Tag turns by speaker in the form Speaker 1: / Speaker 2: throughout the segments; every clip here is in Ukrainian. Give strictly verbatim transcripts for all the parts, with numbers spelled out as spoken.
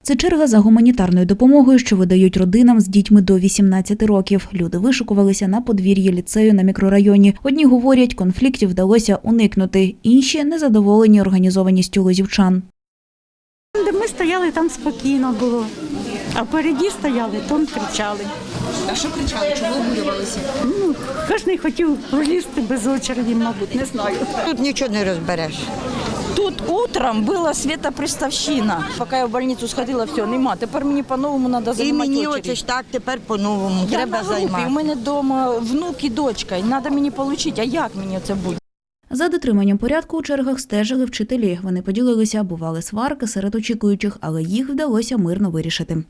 Speaker 1: Це черга за гуманітарною допомогою, що видають родинам з дітьми до вісімнадцяти років. Люди вишукувалися на подвір'ї ліцею на мікрорайоні. Одні говорять, конфліктів вдалося уникнути, інші – незадоволені організованістю лозівчан.
Speaker 2: Де ми стояли, там спокійно було, а впереді стояли, там кричали.
Speaker 3: А що кричали? Чого обурювалися?
Speaker 2: Ну, кожен хотів пролізти без очереді, мабуть, не знаю.
Speaker 4: Тут нічого не розбереш.
Speaker 5: Тут утром була світоприставщина. Поки я в больницю сходила, все, нема. Тепер мені по-новому треба
Speaker 4: І
Speaker 5: займати
Speaker 4: мені
Speaker 5: очередь.
Speaker 4: оце ж так, тепер по-новому,
Speaker 5: Я
Speaker 4: треба
Speaker 5: на групі,
Speaker 4: займати.
Speaker 5: у мене вдома внук і дочка, і треба мені отримати, а як мені це буде?
Speaker 1: За дотриманням порядку у чергах стежили вчителі. Вони поділилися, бували сварки серед очікуючих, але їх вдалося мирно вирішити.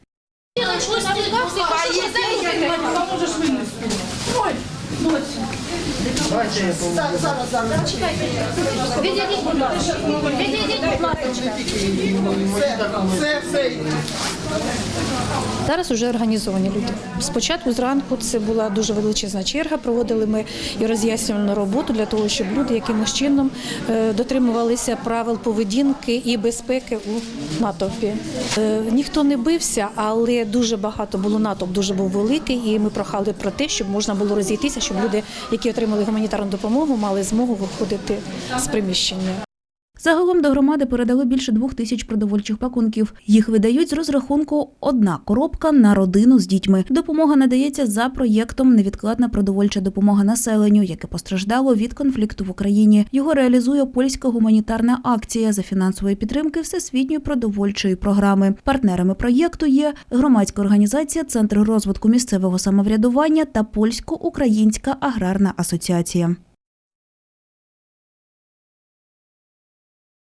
Speaker 6: Зараз вже організовані люди. Спочатку зранку це була дуже величезна черга, проводили ми і роз'яснювальну роботу для того, щоб люди якимось чином дотримувалися правил поведінки і безпеки у натовпі. Ніхто не бився, але дуже багато було, натовп дуже був великий, і ми прохали про те, щоб можна було розійтися, щоб люди, які отримали гуманітарну допомогу, мали змогу виходити з приміщення.
Speaker 1: Загалом до громади передали більше двох тисяч продовольчих пакунків. Їх видають з розрахунку «одна коробка на родину з дітьми». Допомога надається за проєктом «Невідкладна продовольча допомога населенню», яке постраждало від конфлікту в Україні. Його реалізує польська гуманітарна акція за фінансової підтримки Всесвітньої продовольчої програми. Партнерами проєкту є громадська організація «Центр розвитку місцевого самоврядування» та Польсько-Українська аграрна асоціація.